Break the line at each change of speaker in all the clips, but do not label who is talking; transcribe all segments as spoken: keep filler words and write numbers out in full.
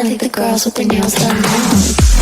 I think the girls with their nails done now.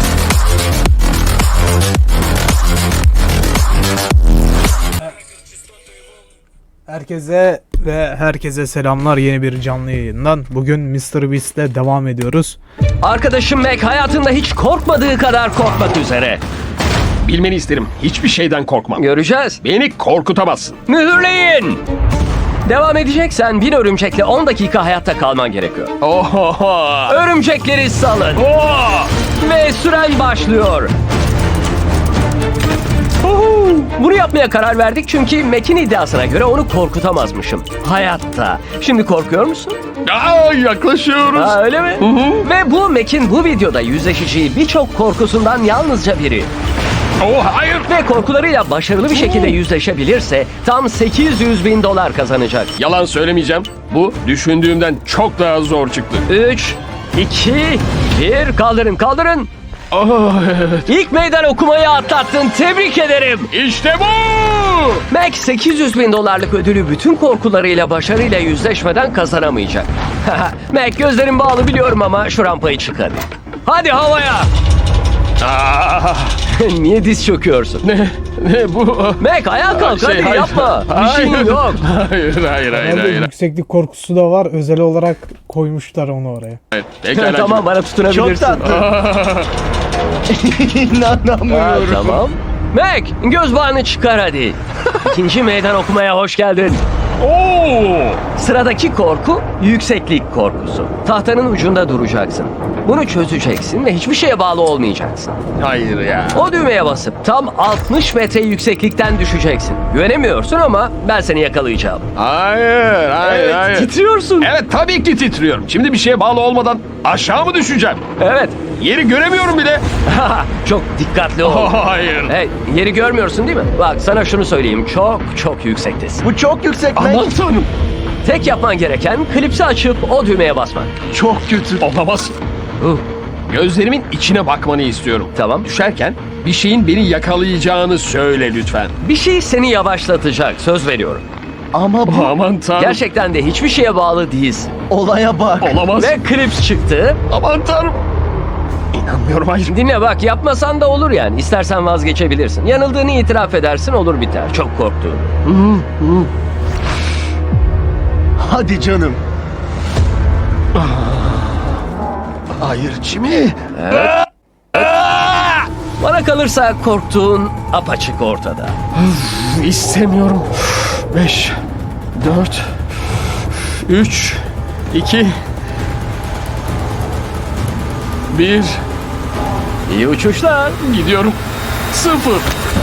Herkese ve herkese selamlar yeni bir canlı yayından. Bugün mister Beast ile devam ediyoruz.
Arkadaşım Mac hayatında hiç korkmadığı kadar korkmak üzere.
Bilmeni isterim. Hiçbir şeyden korkmam.
Göreceğiz.
Beni korkutamazsın.
Mühürleyin. Devam edeceksen bir örümcekle on dakika hayatta kalman gerekiyor.
Oho.
Örümcekleri salın.
Oh.
Ve süren başlıyor. Uhu. Bunu yapmaya karar verdik çünkü Mac'in iddiasına göre onu korkutamazmışım. Hayatta. Şimdi korkuyor musun?
Aa, yaklaşıyoruz.
Ha, öyle mi? Ve bu Mac'in bu videoda yüzleşeceği birçok korkusundan yalnızca biri.
Oh, hayır.
Ve korkularıyla başarılı bir şekilde yüzleşebilirse tam sekiz yüz bin dolar kazanacak.
Yalan söylemeyeceğim. Bu düşündüğümden çok daha zor çıktı.
üç, iki, bir, kaldırın kaldırın.
Oh, evet.
İlk meydan okumayı atlattın, tebrik ederim.
İşte bu.
Mac sekiz yüz bin dolarlık ödülü bütün korkularıyla başarıyla yüzleşmeden kazanamayacak. Mac gözlerin bağlı biliyorum ama şu rampayı çık hadi. Hadi havaya.
Aa,
Niye diz çöküyorsun?
ne, ne bu?
Mac ayağa kalk
Şey,
hadi
hayır.
yapma. Bir şeyin
Hayır.
yok.
Hayır, hayır, hayır,
Herhalde
hayır.
yükseklik korkusu da var. Özel olarak koymuşlar onu oraya.
Evet, pekala.
Tamam bana tutunabilirsin.
Aa,
Ha, tamam. Mac göz bağını çıkar hadi. İkinci meydan okumaya hoş geldin.
Oo.
Sıradaki korku yükseklik korkusu. Tahtanın ucunda duracaksın. Bunu çözeceksin ve hiçbir şeye bağlı olmayacaksın.
Hayır ya.
O düğmeye basıp tam altmış metre yükseklikten düşeceksin. Güvenemiyorsun ama ben seni yakalayacağım.
Hayır, hayır,
Evet,
hayır.
titriyorsun.
Evet, tabii ki titriyorum. Şimdi bir şeye bağlı olmadan aşağı mı düşeceğim?
Evet.
Yeri göremiyorum bile.
Çok dikkatli ol.
Hayır.
Hey, yeri görmüyorsun değil mi? Bak sana şunu söyleyeyim. Çok çok yüksektesin.
Bu çok yüksek Mac.
Aman tanrım.
Tek yapman gereken klipsi açıp o düğmeye basmak.
Çok kötü. Olamaz.
Uh,
Gözlerimin içine bakmanı istiyorum.
Tamam.
Düşerken bir şeyin beni yakalayacağını söyle lütfen.
Bir şey seni yavaşlatacak. Söz veriyorum.
Ama bu
Aman tanrım.
Gerçekten de hiçbir şeye bağlı değilsin.
olaya bak.
Olamaz.
Ve klips çıktı.
Aman tanrım. İnanmıyorum, hayır.
Dinle bak yapmasan da olur yani. İstersen vazgeçebilirsin. Yanıldığını itiraf edersin olur biter. Çok korktuğunu.
Hadi canım.
Hayır, Jimmy.
Bana kalırsa korktuğun apaçık ortada.
İstemiyorum. Beş, dört, üç, iki, bir.
İyi uçuşlar.
Gidiyorum. Sıfır.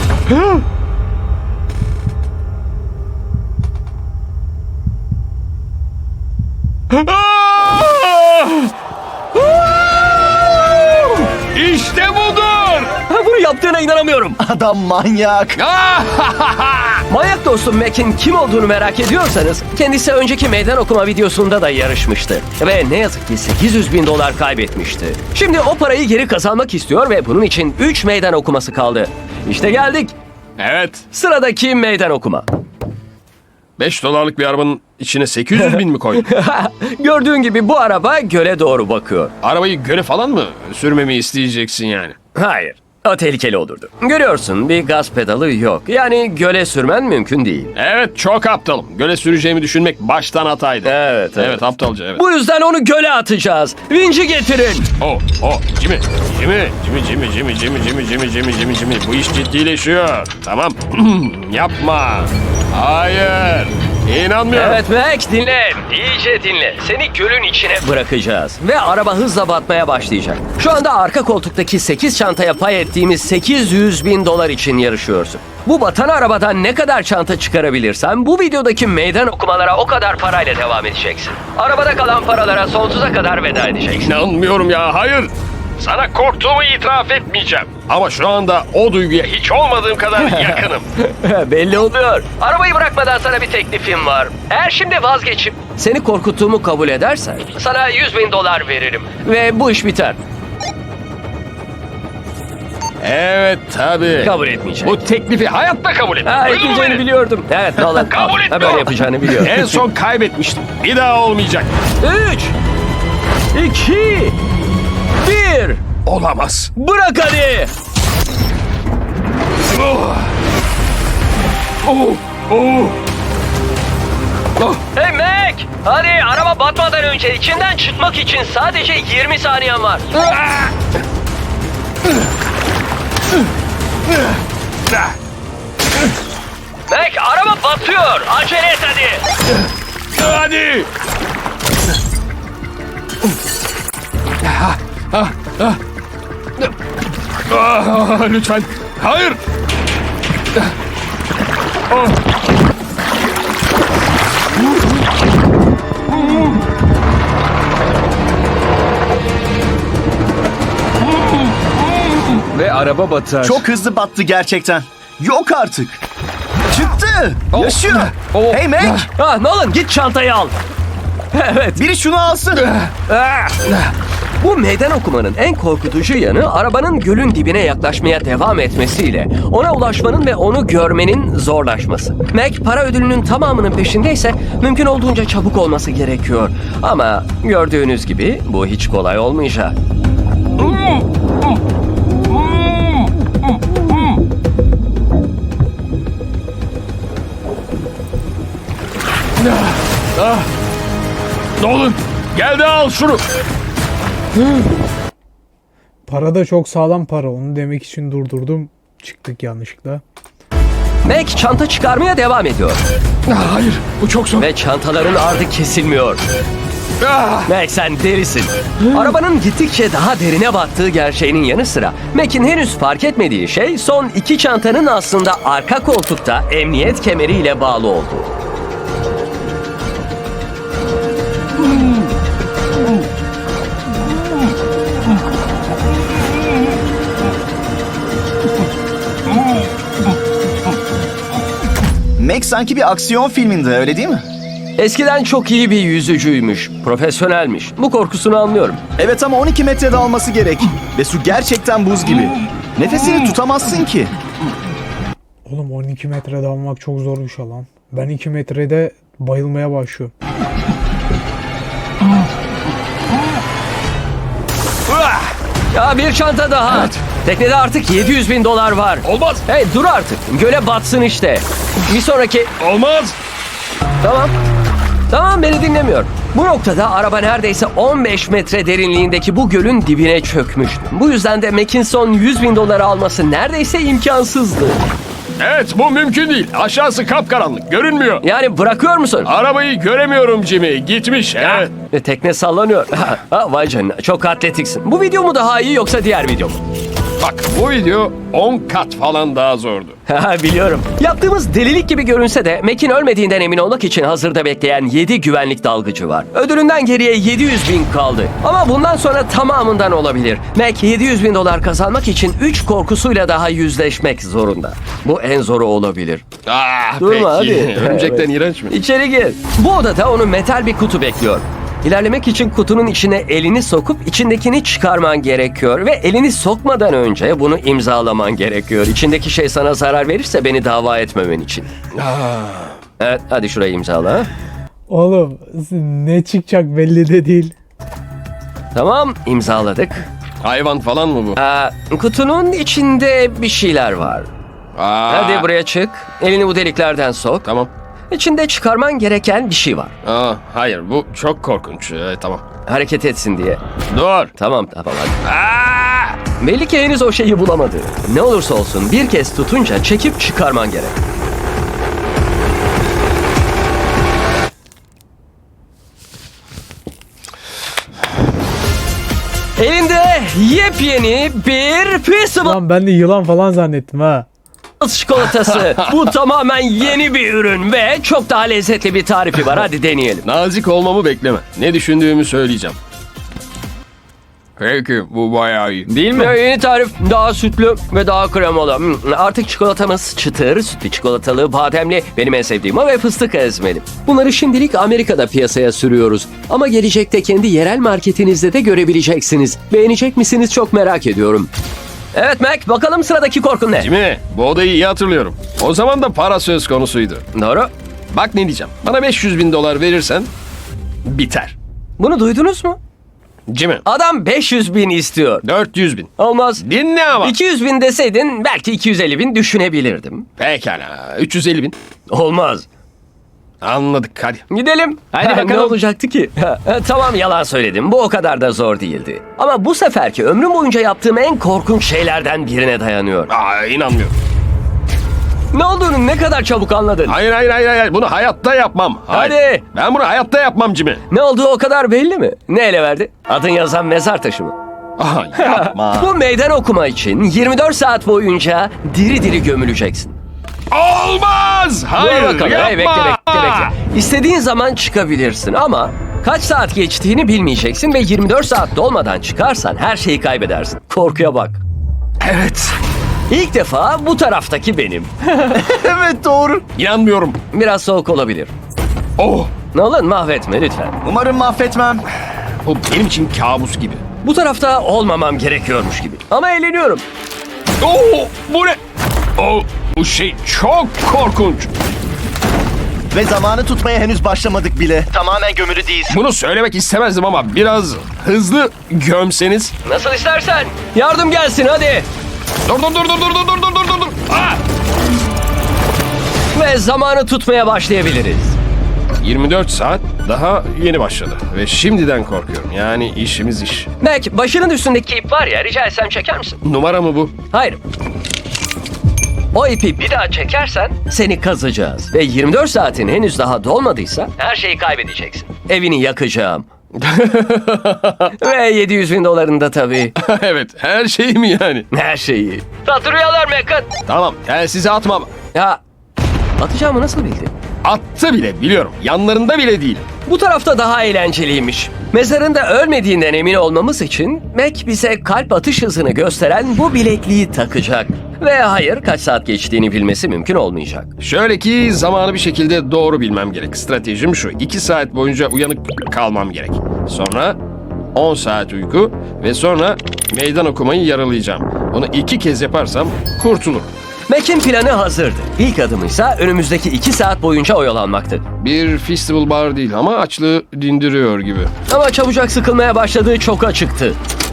İşte budur.
Ha, bunu yaptığına inanamıyorum.
Adam manyak.
Manyak dostum Mac'in kim olduğunu merak ediyorsanız kendisi önceki meydan okuma videosunda da yarışmıştı. Ve ne yazık ki sekiz yüz bin dolar kaybetmişti. Şimdi o parayı geri kazanmak istiyor ve bunun için üç meydan okuması kaldı. İşte geldik.
Evet.
Sıradaki meydan okuma.
beş dolarlık bir arabanın içine sekiz yüz bin mi koydun?
Gördüğün gibi bu araba göle doğru bakıyor.
Arabayı göle falan mı sürmemi isteyeceksin yani?
Hayır. O tehlikeli olurdu. Görüyorsun bir gaz pedalı yok. Yani göle sürmen mümkün değil.
Evet, çok aptalım. Göle süreceğimi düşünmek baştan hataydı.
Evet, evet.
Evet, aptalca, evet.
Bu yüzden onu göle atacağız. Vinci getirin.
Oh, oh, Jimmy, Jimmy, Jimmy, Jimmy, Jimmy, Jimmy, Jimmy, Jimmy, Jimmy, Jimmy, Jimmy. Bu iş ciddileşiyor. Tamam. Yapma. Hayır. İnanmıyorum.
Evet Mac dinle. İyice dinle. Seni gölün içine bırakacağız. Ve araba hızla batmaya başlayacak. Şu anda arka koltuktaki sekiz çantaya pay ettiğimiz sekiz yüz bin dolar için yarışıyorsun. Bu batan arabadan ne kadar çanta çıkarabilirsen bu videodaki meydan okumalara o kadar parayla devam edeceksin. Arabada kalan paralara sonsuza kadar veda edeceksin.
İnanmıyorum ya, hayır. Sana korktuğumu itiraf etmeyeceğim. Ama şu anda o duyguya hiç olmadığım kadar yakınım.
Belli oluyor. Arabayı bırakmadan sana bir teklifim var. Eğer şimdi vazgeçip seni korkuttuğumu kabul edersen sana yüz bin dolar veririm. Ve bu iş biter.
Evet, tabii.
Kabul etmeyeceğim.
Bu teklifi hayatta kabul etmem.
Ha,
Duydun mu
etmeyeceğini
beni?
biliyordum. Evet Nolan.
Kabul
Ha,
etmiyorum.
böyle yapacağını biliyorum.
En son kaybetmiştim. Bir daha olmayacak.
Üç, iki,
Olamaz.
Bırak hadi.
Oh. Oh. Oh. Oh.
Hey Mac! Hadi araba batmadan önce içinden çıkmak için sadece yirmi saniyen var. Mac araba batıyor. Acele et hadi.
Hadi. Ah, ah. Ah, lütfen. Hayır. Oh.
Ve araba batar.
Çok hızlı battı gerçekten. Yok artık. Çıktı. Yaşıyor.
Oh.
Hey Mac.
Ah, Nolan git çantayı al. Evet.
Biri şunu alsın.
Ah! Bu meydan okumanın en korkutucu yanı arabanın gölün dibine yaklaşmaya devam etmesiyle ona ulaşmanın ve onu görmenin zorlaşması. Mac para ödülünün tamamının peşindeyse mümkün olduğunca çabuk olması gerekiyor. Ama gördüğünüz gibi bu hiç kolay olmayacak.
Nolan gel de al şunu.
Para da çok sağlam para. Onu demek için durdurdum. Çıktık yanlışlıkla.
Mac çanta çıkarmaya devam ediyor.
Ah, hayır bu çok zor.
Ve çantaların ardı kesilmiyor.
Ah.
Mac sen delisin. Arabanın gittikçe daha derine battığı gerçeğinin yanı sıra Mac'in henüz fark etmediği şey son iki çantanın aslında arka koltukta emniyet kemeriyle bağlı olduğu.
Mac sanki bir aksiyon filminde, öyle değil mi?
Eskiden çok iyi bir yüzücüymüş, profesyonelmiş. Bu korkusunu anlıyorum.
Evet ama on iki metrede alması gerek. Ve su gerçekten buz gibi. Nefesini tutamazsın ki.
Oğlum on iki metrede almak çok zor bir şey lan. Ben iki metrede bayılmaya başlıyorum.
Ya bir çanta daha.
Evet.
Teknede artık yedi yüz bin dolar var.
Olmaz.
Hey dur artık. Göle batsın işte. Bir sonraki...
Olmaz.
Tamam. Tamam beni dinlemiyor. Bu noktada araba neredeyse on beş metre derinliğindeki bu gölün dibine çökmüştü. Bu yüzden de Mackinson yüz bin doları alması neredeyse imkansızdı.
Evet bu mümkün değil. Aşağısı kapkaranlık. Görünmüyor.
Yani bırakıyor musun?
Arabayı göremiyorum Jimmy. Gitmiş. Evet.
E, Tekne sallanıyor. Ha, vay canına çok atletiksin. Bu video mu daha iyi yoksa diğer video mu?
Bak bu video on kat falan daha zordu.
Biliyorum. Yaptığımız delilik gibi görünse de Mac'in ölmediğinden emin olmak için hazırda bekleyen yedi güvenlik dalgıcı var. Ödülünden geriye yedi yüz bin kaldı. Ama bundan sonra tamamından olabilir. Mac yedi yüz bin dolar kazanmak için üç korkusuyla daha yüzleşmek zorunda. Bu en zoru olabilir.
Ah,
Durma
peki.
hadi.
Örümcekten
Evet.
iğrenç mi?
İçeri gir. Bu odada onu metal bir kutu bekliyor. İlerlemek için kutunun içine elini sokup içindekini çıkarman gerekiyor ve elini sokmadan önce bunu imzalaman gerekiyor. İçindeki şey sana zarar verirse beni dava etmemen için. Evet, hadi şurayı imzala.
Oğlum ne çıkacak belli de değil.
Tamam, imzaladık.
Hayvan falan mı bu?
Aa, kutunun içinde bir şeyler var.
Aa,
Hadi buraya çık. Elini bu deliklerden sok.
Tamam.
İçinde çıkarman gereken bir şey var.
Aa, hayır bu çok korkunç. Evet, tamam.
Hareket etsin diye.
Dur.
Tamam, tamam hadi.
Aa!
Belli ki henüz o şeyi bulamadı. Ne olursa olsun bir kez tutunca çekip çıkarman gerek. Elinde yepyeni bir Peaceable
Lan ben de yılan falan zannettim ha.
çikolatası. Bu tamamen yeni bir ürün ve çok daha lezzetli bir tarifi var. Hadi deneyelim.
Nazik olmamı bekleme. Ne düşündüğümü söyleyeceğim. Peki bu bayağı iyi. Değil mi?
Ve yeni tarif daha sütlü ve daha kremalı. Hmm, Artık çikolatamız çıtır, sütlü çikolatalı, bademli, benim en sevdiğim o ve fıstık ezmeli. Bunları şimdilik Amerika'da piyasaya sürüyoruz. Ama gelecekte kendi yerel marketinizde de görebileceksiniz. Beğenecek misiniz çok merak ediyorum. Evet Mac, bakalım sıradaki korkun ne?
Jimmy, bu odayı iyi hatırlıyorum. O zaman da para söz konusuydu.
Doğru.
Bak ne diyeceğim. Bana beş yüz bin dolar verirsen biter.
Bunu duydunuz mu?
Jimmy.
Adam beş yüz bin istiyor.
dört yüz bin.
Olmaz.
Dinle ama.
iki yüz bin deseydin belki iki yüz elli bin düşünebilirdim.
Pekala. üç yüz elli bin.
Olmaz.
Anladık hadi.
Gidelim.
Hadi
Ha,
bakalım.
Ne olacaktı ki? Ha, ha, tamam yalan söyledim. Bu o kadar da zor değildi. Ama bu seferki ömrüm boyunca yaptığım en korkunç şeylerden birine dayanıyor.
Aa, inanmıyorum.
Ne olduğunu ne kadar çabuk anladın.
Hayır hayır hayır hayır. Bunu hayatta yapmam. Hayır.
Hadi.
Ben bunu hayatta yapmam Jimmy.
Ne olduğu o kadar belli mi? Ne ele verdi? Adın yazan mezar taşı mı?
Aha, yapma.
Bu meydan okuma için yirmi dört saat boyunca diri diri gömüleceksin.
Olmaz. Hayır
Dur bakalım.
yapma.
Hey, bekle bekle bekle. İstediğin zaman çıkabilirsin ama kaç saat geçtiğini bilmeyeceksin ve yirmi dört saat dolmadan çıkarsan her şeyi kaybedersin. Korkuya bak.
Evet.
İlk defa bu taraftaki benim.
Evet doğru.
İnanmıyorum.
Biraz soğuk olabilir.
Oh.
Nolan mahvetme lütfen.
Umarım mahvetmem.
Bu benim için kabus gibi.
Bu tarafta olmamam gerekiyormuş gibi. Ama eğleniyorum.
Oh, bu ne? Oh, bu şey çok korkunç.
Ve zamanı tutmaya henüz başlamadık bile. Tamamen gömülü değilsin.
Bunu söylemek istemezdim ama biraz hızlı gömseniz.
Nasıl istersen. Yardım gelsin hadi.
Dur dur dur dur dur dur dur dur dur dur. Ah!
Ve zamanı tutmaya başlayabiliriz.
yirmi dört saat daha yeni başladı ve şimdiden korkuyorum. Yani işimiz iş.
Mac başının üstündeki ip var ya rica etsem çeker misin?
Numara mı bu?
Hayır. O ipi bir daha çekersen seni kazacağız. Ve yirmi dört saatin henüz daha dolmadıysa her şeyi kaybedeceksin. Evini yakacağım. Ve yedi yüz bin dolarını da tabii.
Evet, her şey mi yani?
Her şeyi. Tatlı rüyalar Mac'ın.
Tamam, telsizi atmam.
Ya atacağımı nasıl bildin?
Attı bile biliyorum. Yanlarında bile değil.
Bu tarafta daha eğlenceliymiş. Mezarında ölmediğinden emin olmamız için Mac bize kalp atış hızını gösteren bu bilekliği takacak. Ve hayır kaç saat geçtiğini bilmesi mümkün olmayacak.
Şöyle ki zamanı bir şekilde doğru bilmem gerek. Stratejim şu. iki saat boyunca uyanık kalmam gerek. Sonra on saat uyku ve sonra meydan okumayı yaralayacağım. Bunu iki kez yaparsam kurtulurum.
Mac'in planı hazırdı. İlk adımıysa önümüzdeki iki saat boyunca oyalanmaktı.
Bir festival bar değil ama açlığı dindiriyor gibi.
Ama çabucak sıkılmaya başladığı çok açıktı.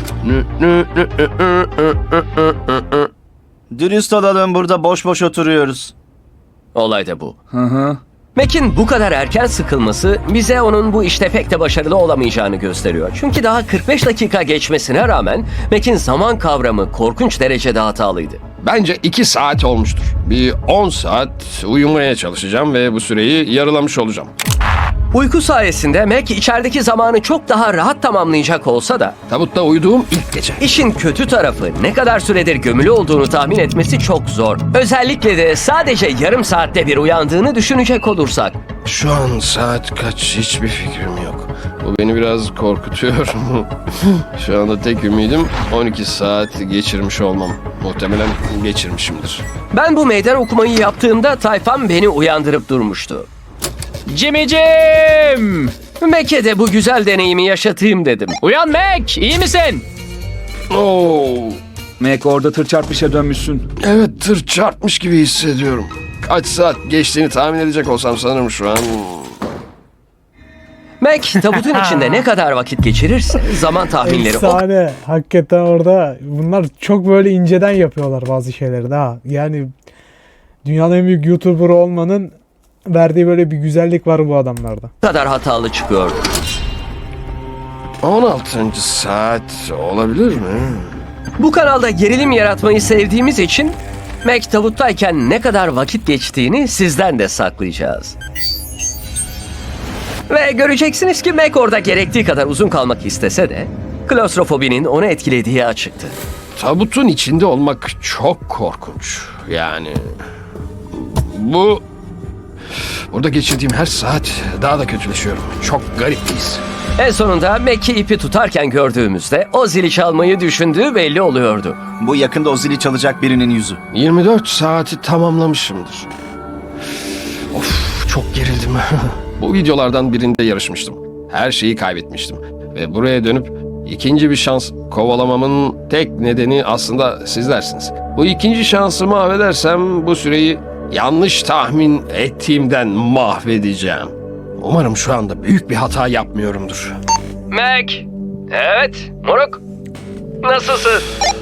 Dürüst olalım, burada boş boş oturuyoruz.
Olay da bu. Mac'in bu kadar erken sıkılması bize onun bu işte pek de başarılı olamayacağını gösteriyor. Çünkü daha kırk beş dakika geçmesine rağmen Mac'in zaman kavramı korkunç derecede hatalıydı.
Bence iki saat olmuştur. Bir on saat uyumaya çalışacağım ve bu süreyi yarılamış olacağım.
Uyku sayesinde Mac içerideki zamanı çok daha rahat tamamlayacak olsa da
Tabutta uyuduğum ilk gece.
işin kötü tarafı ne kadar süredir gömülü olduğunu tahmin etmesi çok zor. Özellikle de sadece yarım saatte bir uyandığını düşünecek olursak.
Şu an saat kaç hiçbir fikrim yok. Bu beni biraz korkutuyor. Şu anda tek ümidim on iki saat geçirmiş olmam. Muhtemelen geçirmişimdir.
Ben bu meydan okumayı yaptığımda tayfam beni uyandırıp durmuştu.
Jimmy'cim!
Mac'e de bu güzel deneyimi yaşatayım dedim.
Uyan Mac, iyi misin?
Oo,
Mac orada tır çarpmışa dönmüşsün.
evet tır çarpmış gibi hissediyorum. Kaç saat geçtiğini tahmin edecek olsam sanırım şu an.
Mac tabutun içinde ne kadar vakit geçirirse zaman tahminleri o
Efsane. Hakikaten orada bunlar çok böyle inceden yapıyorlar bazı şeyleri daha. Yani dünyanın en büyük YouTuber olmanın verdiği böyle bir güzellik var bu adamlarda.
kadar hatalı çıkıyordu.
on altıncı saat olabilir mi?
Bu kanalda gerilim yaratmayı sevdiğimiz için Mac tabuttayken ne kadar vakit geçtiğini sizden de saklayacağız. Ve göreceksiniz ki Mac orada gerektiği kadar uzun kalmak istese de klostrofobinin onu etkilediği açıktı.
Tabutun içinde olmak çok korkunç. Yani bu burada geçirdiğim her saat daha da kötüleşiyorum. Çok garip bir his.
En sonunda Mac'i ipi tutarken gördüğümüzde o zili çalmayı düşündüğü belli oluyordu.
Bu yakında o zili çalacak birinin yüzü.
yirmi dört saati tamamlamışımdır. Of çok gerildim. Bu videolardan birinde yarışmıştım. Her şeyi kaybetmiştim. Ve buraya dönüp ikinci bir şans kovalamamın tek nedeni aslında sizlersiniz. Bu ikinci şansı mahvedersem bu süreyi yanlış tahmin ettiğimden mahvedeceğim. Umarım şu anda büyük bir hata yapmıyorumdur.
Mac, Evet, moruk. Nasılsın?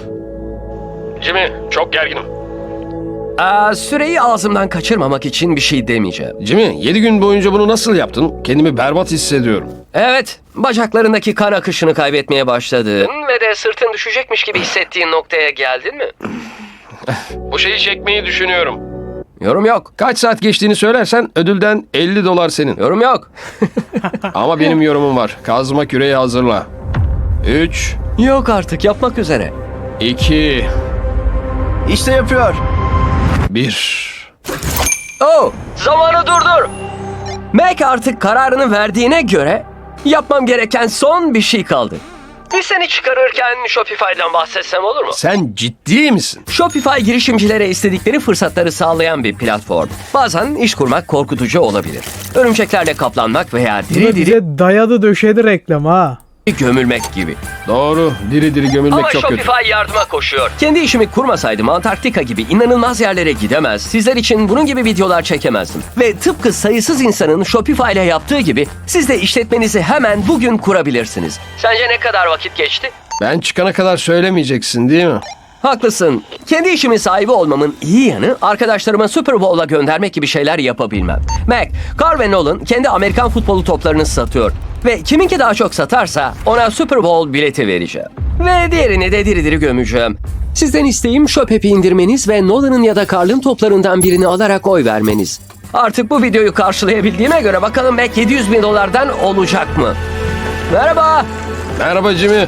Jimmy, çok gerginim.
Aa, süreyi ağzımdan kaçırmamak için bir şey demeyeceğim.
Jimmy, yedi gün boyunca bunu nasıl yaptın? Kendimi berbat hissediyorum.
Evet, bacaklarındaki kan akışını kaybetmeye başladın ve de sırtın düşecekmiş gibi hissettiğin noktaya geldin mi?
Bu şeyi çekmeyi düşünüyorum.
Yorum yok.
Kaç saat geçtiğini söylersen ödülden elli dolar senin.
Yorum yok.
Ama benim yorumum var. Kazma küreği hazırla. üç,
Yok artık, yapmak üzere.
iki,
İşte yapıyor.
bir.
Oh, zamanı durdur. Mac artık kararını verdiğine göre yapmam gereken son bir şey kaldı. Bir seni çıkarırken Shopify'dan bahsetsem olur mu?
Sen ciddi misin?
Shopify girişimcilere istedikleri fırsatları sağlayan bir platform. Bazen iş kurmak korkutucu olabilir. Örümceklerle kaplanmak veya
Bu da
diri diri
bize dayadı döşedi reklam ha.
gömülmek gibi.
Doğru. Diri diri gömülmek
Ama
çok kötü.
Shopify yardıma koşuyor. Kendi işimi kurmasaydım Antarktika gibi inanılmaz yerlere gidemez, sizler için bunun gibi videolar çekemezdim. Ve tıpkı sayısız insanın Shopify ile yaptığı gibi siz de işletmenizi hemen bugün kurabilirsiniz. Sence ne kadar vakit geçti?
Ben çıkana kadar söylemeyeceksin değil mi?
Haklısın. Kendi işimin sahibi olmamın iyi yanı arkadaşlarıma Super Bowl'a göndermek gibi şeyler yapabilmem. Mac, Carl ve Nolan kendi Amerikan futbolu toplarını satıyor. Ve kiminki daha çok satarsa ona Super Bowl bileti vereceğim. Ve diğerini de diri diri gömeceğim. Sizden isteğim Shop-app'i indirmeniz ve Nolan'ın ya da Carl'ın toplarından birini alarak oy vermeniz. Artık bu videoyu karşılayabildiğime göre bakalım Mac yedi yüz bin dolardan olacak mı? Merhaba.
Merhaba Jimmy.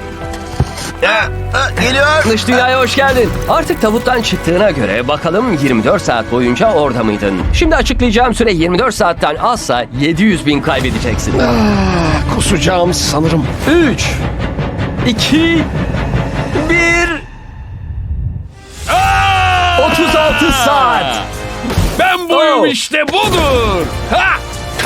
Geliyor.
Dış dünyaya hoş geldin. Artık tabuttan çıktığına göre bakalım yirmi dört saat boyunca orada mıydın? Şimdi açıklayacağım süre yirmi dört saatten azsa yedi yüz bin kaybedeceksin.
Kusacağım sanırım.
üç, iki, bir... otuz altı saat.
Ben
buyum Oh.
işte budur. Ha!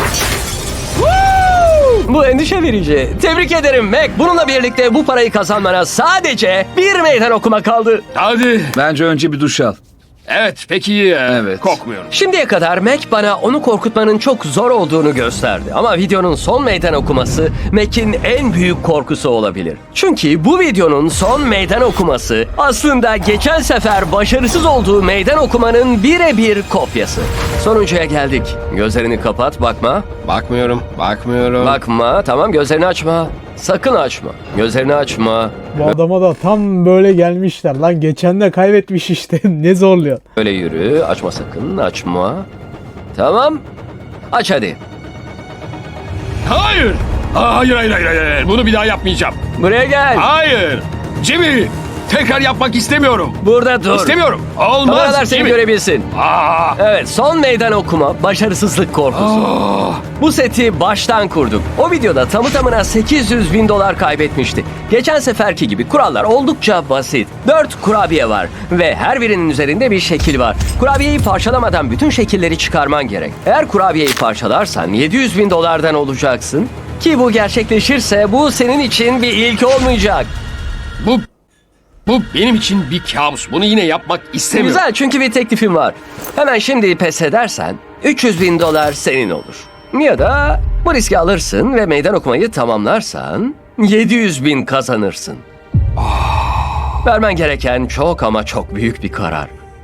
Bu endişe verici. Tebrik ederim Mac. Bununla birlikte bu parayı kazanmana sadece bir meydan okuma kaldı.
Hadi.
Bence önce bir duş al.
Evet peki iyi.
Evet.
Kokmuyorum.
Şimdiye kadar Mac bana onu korkutmanın çok zor olduğunu gösterdi. Ama videonun son meydan okuması Mac'in en büyük korkusu olabilir. Çünkü bu videonun son meydan okuması aslında geçen sefer başarısız olduğu meydan okumanın birebir kopyası. Sonuncuya geldik. Gözlerini kapat, bakma.
Bakmıyorum. Bakmıyorum.
Bakma, tamam gözlerini açma. Sakın açma. Gözlerini açma.
Bu adama da tam böyle gelmişler lan. Geçen de kaybetmiş işte. Ne zorluyor.
Böyle yürü. Açma sakın. Açma. Tamam. Aç hadi.
Hayır. Aa, hayır, hayır, hayır, hayır. Bunu bir daha yapmayacağım.
Buraya gel.
Hayır. Jimmy. Tekrar yapmak istemiyorum.
Burada dur.
İstemiyorum. Olmaz.
Kameralar seni
Jimmy.
görebilsin.
Aa.
Evet, son meydan okuma başarısızlık korkusu. Bu seti baştan kurduk. O videoda tamı tamına sekiz yüz bin dolar kaybetmişti. Geçen seferki gibi kurallar oldukça basit. dört kurabiye var ve her birinin üzerinde bir şekil var. Kurabiyeyi parçalamadan bütün şekilleri çıkarman gerek. Eğer kurabiyeyi parçalarsan yedi yüz bin dolardan olacaksın. Ki bu gerçekleşirse bu senin için bir ilk olmayacak.
Bu bu benim için bir kabus. Bunu yine yapmak istemiyorum.
Güzel, çünkü bir teklifim var. Hemen şimdi pes edersen üç yüz bin dolar senin olur. Ya da bu riski alırsın ve meydan okumayı tamamlarsan yedi yüz bin kazanırsın. Vermen gereken çok ama çok büyük bir karar.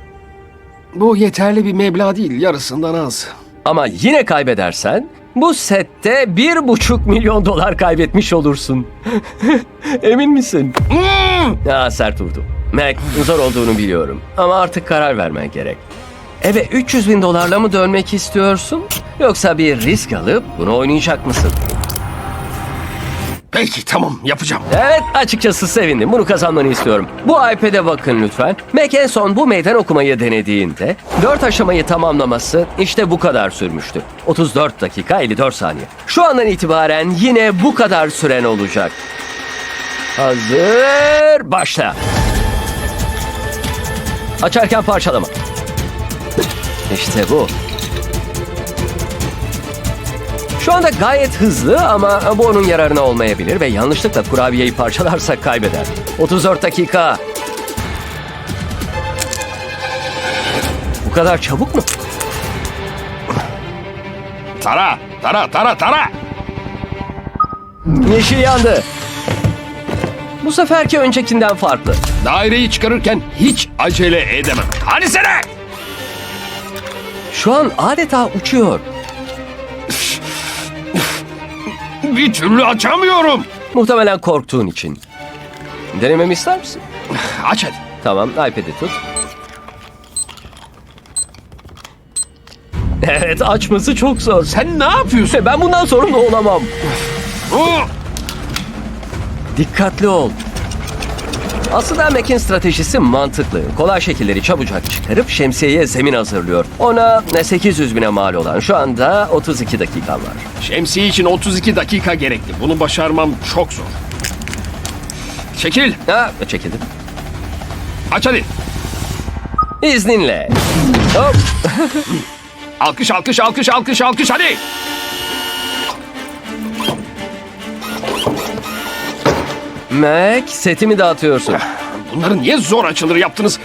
Bu yeterli bir meblağ değil. Yarısından az.
Ama yine kaybedersen bu sette bir buçuk milyon dolar kaybetmiş olursun. Emin misin? Ya sert vurdu. Mac, zor olduğunu biliyorum. Ama artık karar vermen gerek. Eve üç yüz bin dolarla mı dönmek istiyorsun? Yoksa bir risk alıp bunu oynayacak mısın?
Peki tamam yapacağım.
Evet, açıkçası sevindim. Bunu kazanmanı istiyorum. Bu iPad'e bakın lütfen. Mac en son bu meydan okumayı denediğinde dört aşamayı tamamlaması işte bu kadar sürmüştü. otuz dört dakika elli dört saniye. Şu andan itibaren yine bu kadar süren olacak. Hazır, başla. Açarken parçalama. İşte bu. Şu anda gayet hızlı ama bu onun yararına olmayabilir ve yanlışlıkla kurabiyeyi parçalarsa kaybeder. otuz dört dakika. Bu kadar çabuk mu?
Tara, tara, tara, tara.
Yeşil yandı. Bu seferki öncekinden farklı.
Daireyi çıkarırken hiç acele edemem. Hadi sene!
Şu an adeta uçuyor.
Bir türlü açamıyorum.
Muhtemelen korktuğun için. Denememi ister misin?
Aç hadi.
Tamam, iPad'i tut. Evet, açması çok zor.
Sen ne yapıyorsun?
Ben bundan sorumlu olamam.
Oh!
Dikkatli ol. Aslında Mac'in stratejisi mantıklı. Kolay şekilleri çabucak çıkarıp şemsiyeye zemin hazırlıyor. Ona sekiz yüz bine mal olan şu anda otuz iki dakikan var.
Şemsiye için otuz iki dakika gerekli. Bunu başarmam çok zor. Çekil.
Ha, çekildim.
Aç hadi.
İzninle. Hop.
Alkış, alkış, alkış, alkış, alkış hadi.
Mac, setimi dağıtıyorsun.
Bunları niye zor açılır yaptınız?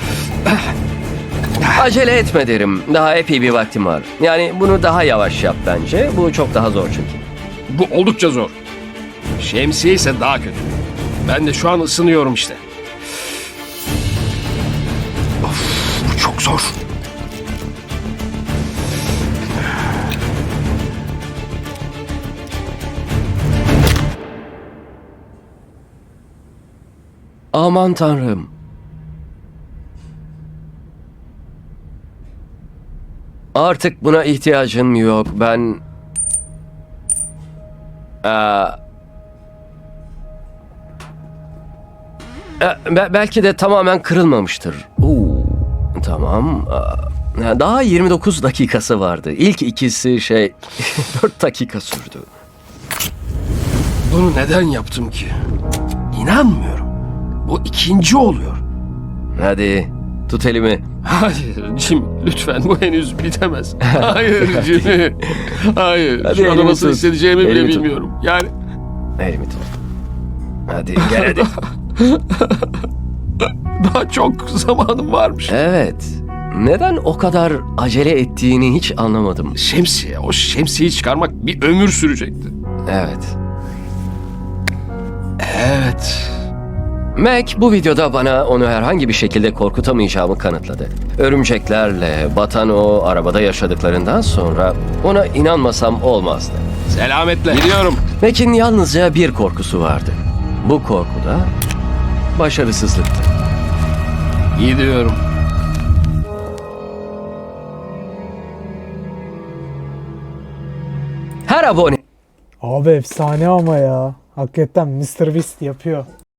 Acele etme derim. Daha epey bir vaktim var. Yani bunu daha yavaş yap bence. Bu çok daha zor çünkü.
Bu oldukça zor. Şemsiye ise daha kötü. Ben de şu an ısınıyorum işte. Of, bu çok zor.
Aman tanrım. Artık buna ihtiyacım yok. Ben... Aa... E, be- belki de tamamen kırılmamıştır. Oo, tamam. Aa, daha yirmi dokuz dakikası vardı. İlk ikisi şey dört dakika sürdü.
Bunu neden yaptım ki? İnanmıyorum. Bu ikinci oluyor.
Hadi tut elimi.
Hayır Jim, lütfen bu henüz bitemez. Hayır Jimmy. Hayır.
Hadi
Şu anda
elimi
nasıl
tut.
hissedeceğimi bile
Elimi tut.
bilmiyorum. Yani
Elimi tut. Hadi gel hadi.
daha çok zamanım varmış.
Evet. Neden o kadar acele ettiğini hiç anlamadım.
Şemsiye, o şemsiyeyi çıkarmak bir ömür sürecekti.
Evet.
Evet.
Mac bu videoda bana onu herhangi bir şekilde korkutamayacağımı kanıtladı. Örümceklerle batan o arabada yaşadıklarından sonra ona inanmasam olmazdı.
Selametle. Gidiyorum.
Mac'in yalnızca bir korkusu vardı. Bu korku da başarısızlıktı.
Gidiyorum.
Her abone
Abi efsane ama ya. Hakikaten mister Beast yapıyor.